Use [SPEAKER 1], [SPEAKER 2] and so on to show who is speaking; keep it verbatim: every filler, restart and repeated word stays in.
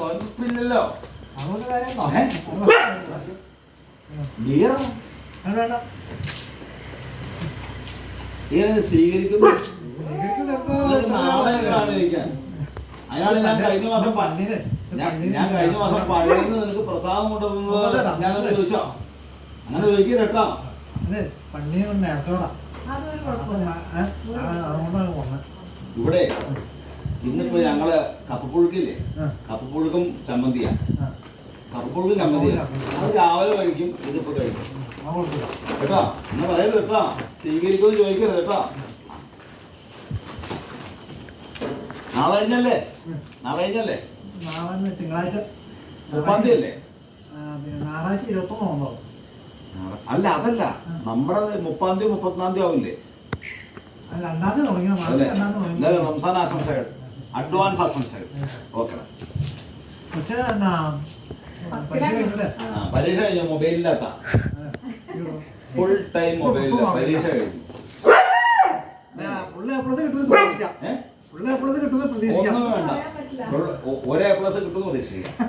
[SPEAKER 1] ഇല്ലല്ലോ സ്വീകരിക്കുന്നു. അയാള് ഞാൻ കഴിഞ്ഞ മാസം പന്നിന് ഞാൻ കഴിഞ്ഞ മാസം പഴയുന്ന നിനക്ക് പ്രസാദം കൊണ്ടുവന്നത് ഞാനൊന്ന് ചോദിച്ചോ? അങ്ങനെ ചോദിക്കുക കേട്ടോ.
[SPEAKER 2] പന്നി നേരത്തോടാ
[SPEAKER 1] ഇവിടെ ഇന്നിപ്പോ ഞങ്ങള് കപ്പപ്പുഴുക്കില്ലേ, കപ്പപ്പുഴുക്കും ചമ്മന്തിയാ. കപ്പപ്പുഴുക്കും ചമ്മന്തിയാ. അത് രാവിലെ കഴിക്കും, ഇതിപ്പോ കഴിക്കും കേട്ടോ. എന്നാ പറയരുത് കേട്ടോ, സ്വീകരിക്കുമെന്ന് ചോദിക്കരുത് കേട്ടോ. നാളെ കഴിഞ്ഞല്ലേ നാളെ കഴിഞ്ഞല്ലേ
[SPEAKER 2] നാളെ തിങ്കളാഴ്ച
[SPEAKER 1] മുപ്പാം തീയതി അല്ലേ?
[SPEAKER 2] ഞായറാഴ്ച ഇരുപത്തൊന്നോ?
[SPEAKER 1] അല്ല അതല്ല, നമ്മുടെ മുപ്പാം തീയതി മുപ്പത്തിനാം തീയതി ആവില്ലേ?
[SPEAKER 2] രണ്ടാം തീയതി തുടങ്ങിയ
[SPEAKER 1] റംസാൻ ആശംസകൾ, അഡ്വാൻസ് ആശംസകൾ. ഓക്കെ. പരീക്ഷ കഴിഞ്ഞു, മൊബൈലില്ലാത്ത ഫുൾ ടൈം മൊബൈലില്ല. പരീക്ഷ കഴിഞ്ഞു. ഒന്നും വേണ്ട, ഒരേ പ്ലസ് കിട്ടുമെന്ന് പ്രതീക്ഷിക്കാം.